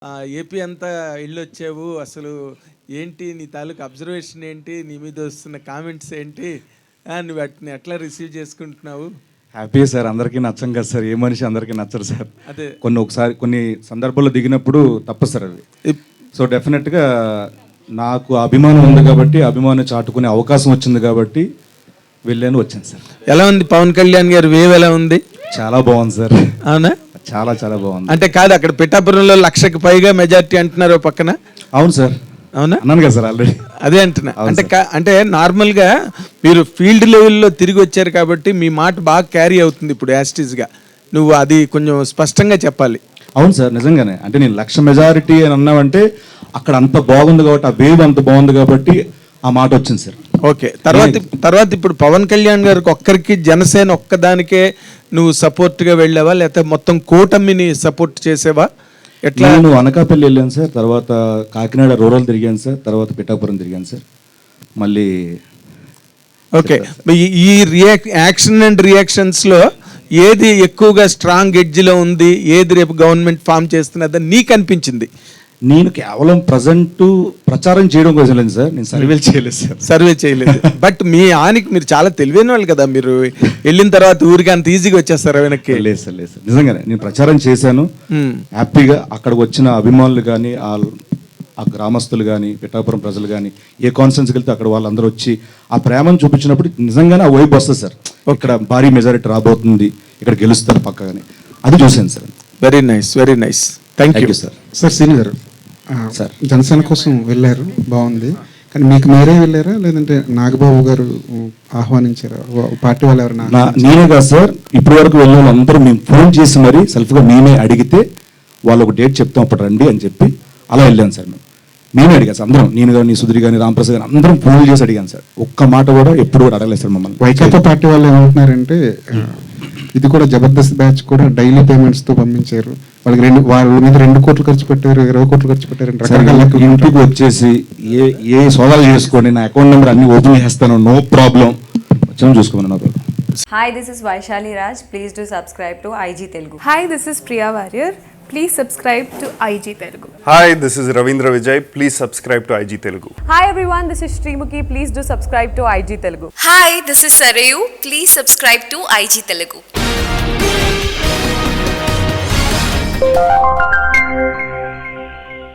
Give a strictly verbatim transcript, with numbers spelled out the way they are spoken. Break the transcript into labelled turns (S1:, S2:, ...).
S1: AP అంతా వెళ్ళొచ్చావు, అసలు ఏంటి నీ తాలూకు అబ్జర్వేషన్ ఏంటి, నీ మీద వస్తున్న కామెంట్స్ ఏంటి, నువ్వు వాటిని ఎట్లా రిసీవ్ చేసుకుంటున్నావు?
S2: హ్యాపీ సార్, అందరికీ నచ్చం కదా సార్, ఏ మనిషి అందరికీ నచ్చరు సార్.
S1: అదే
S2: కొన్ని ఒకసారి కొన్ని సందర్భాల్లో దిగినప్పుడు తప్పు సార్ అవి. సో డెఫినెట్గా నాకు అభిమానం ఉంది కాబట్టి, అభిమానం చాటుకునే అవకాశం వచ్చింది కాబట్టి వెళ్ళాను, వచ్చాను సార్.
S1: ఎలా ఉంది పవన్ కళ్యాణ్ గారు వేవ్, ఎలా ఉంది?
S2: చాలా బాగుంది సార్.
S1: అవునా?
S2: చాలా చాలా బాగుంది.
S1: అంటే కాదు, అక్కడ పిఠాపురంలో లక్షకి పైగా మెజారిటీ అంటున్నారు పక్కన.
S2: అవును సార్.
S1: అవునా?
S2: అన్నాను కదా సార్ ఆల్రెడీ.
S1: అదే అంటున్నా. అంటే అంటే నార్మల్గా మీరు ఫీల్డ్ లెవెల్లో తిరిగి వచ్చారు కాబట్టి మీ మాట బాగా క్యారీ అవుతుంది ఇప్పుడు యాస్టీస్గా. నువ్వు అది కొంచెం స్పష్టంగా చెప్పాలి.
S2: అవును సార్, నిజంగానే. అంటే నేను లక్ష మెజారిటీ అని అన్నావంటే అక్కడ అంత బాగుంది కాబట్టి, ఆ వేవ్ అంత బాగుంది కాబట్టి ఆ మాట వచ్చింది సార్.
S1: ఓకే. తర్వాత తర్వాత ఇప్పుడు పవన్ కళ్యాణ్ గారికి ఒక్కరికి, జనసేన ఒక్కదానికే నువ్వు సపోర్ట్గా వెళ్ళావా, లేకపోతే మొత్తం కూటమిని సపోర్ట్ చేసేవా? ఎట్లా?
S2: నేను అనకాపల్లి వెళ్ళాను సార్, తర్వాత కాకినాడ రూరల్ తిరిగాను సార్, తర్వాత పిఠాపురం తిరిగాను సార్. మళ్ళీ
S1: ఓకే. ఈ రియాక్ యాక్షన్ అండ్ రియాక్షన్స్లో ఏది ఎక్కువగా స్ట్రాంగ్ ఎడ్జ్లో ఉంది, ఏది రేపు గవర్నమెంట్ ఫామ్ చేస్తున్నదని నీకు అనిపించింది?
S2: నేను కేవలం ప్రజెంట్ ప్రచారం చేయడం కోసం లేదు సార్, నేను సర్వేలు చేయలేదు సార్.
S1: సర్వే చేయలేదు. బట్ మీ ఆనికి మీరు చాలా తెలివైన వాళ్ళు కదా, మీరు వెళ్ళిన తర్వాత ఊరికి అంత ఈజీగా వచ్చేస్తారు వెనక్కి?
S2: లేదు సార్, లేదు సార్, నిజంగానే నేను ప్రచారం చేశాను హ్యాపీగా. అక్కడికి వచ్చిన అభిమానులు కానీ, ఆ గ్రామస్తులు కానీ, పిఠాపురం ప్రజలు కానీ, ఏ కాన్ఫరెన్స్కి వెళ్తే అక్కడ వాళ్ళందరూ వచ్చి ఆ ప్రేమను చూపించినప్పుడు నిజంగానే ఆ వైబ్ వస్తుంది సార్. ఇక్కడ భారీ మెజారిటీ రాబోతుంది, ఇక్కడ గెలుస్తారు పక్కగానే, అది చూశాను sir.
S1: Very nice, very nice. Thank you sir.
S3: Sir Seeni గారు, సార్ జనసేన కోసం వెళ్ళారు, బాగుంది. కానీ మీకు మీరే వెళ్ళారా, లేదంటే నాగబాబు గారు ఆహ్వానించారా, పార్టీ వాళ్ళు ఎవరైనా?
S2: నేనే కాదు సార్, ఇప్పటి వరకు వెళ్ళిన వాళ్ళందరూ మేము ఫోన్ చేసి మరీ సెల్ఫ్గా మేమే అడిగితే వాళ్ళు ఒక డేట్ చెప్తాం అప్పుడు రండి అని చెప్పి అలా వెళ్ళాను సార్. మేము మేమే అడిగాను సార్, అందరం, నేను కానీ, సుధీర్ కానీ, రామప్రసాద్ కానీ, అందరం ఫోన్ చేసి అడిగాను సార్. ఒక్క మాట కూడా ఎప్పుడు కూడా అడగలేదు సార్ మమ్మల్ని.
S3: వైకాపా పార్టీ వాళ్ళు ఏమంటున్నారంటే ఇది కూడా జబర్దస్త్ బ్యాచ్ కూడా డైలీ పేమెంట్స్ తో పంపించారు, వాళ్ళకి రెండు వాళ్ళ మీద రెండు కోట్లు ఖర్చు పెట్టారు, ఇరవై కోట్లు ఖర్చు పెట్టారు.
S2: ఇంటికి వచ్చేసి ఏ ఏ సోదాలు చేసుకోండి, నా అకౌంట్ నెంబర్ అన్ని ఓపెన్ చేస్తాను, నో ప్రాబ్లం, వచ్చాము చూసుకోమని. No problem.
S4: Hi, this is Vaishali Raj. Please do subscribe to I G Telugu.
S5: Hi, this is Priya Warrior. Please subscribe to I G Telugu.
S6: Hi, this is Ravindra Vijay. Please subscribe to I G Telugu.
S4: Hi everyone, this is Srimukhi. Please do subscribe to I G Telugu.
S7: Hi, this is Sarayu. Please subscribe to I G Telugu.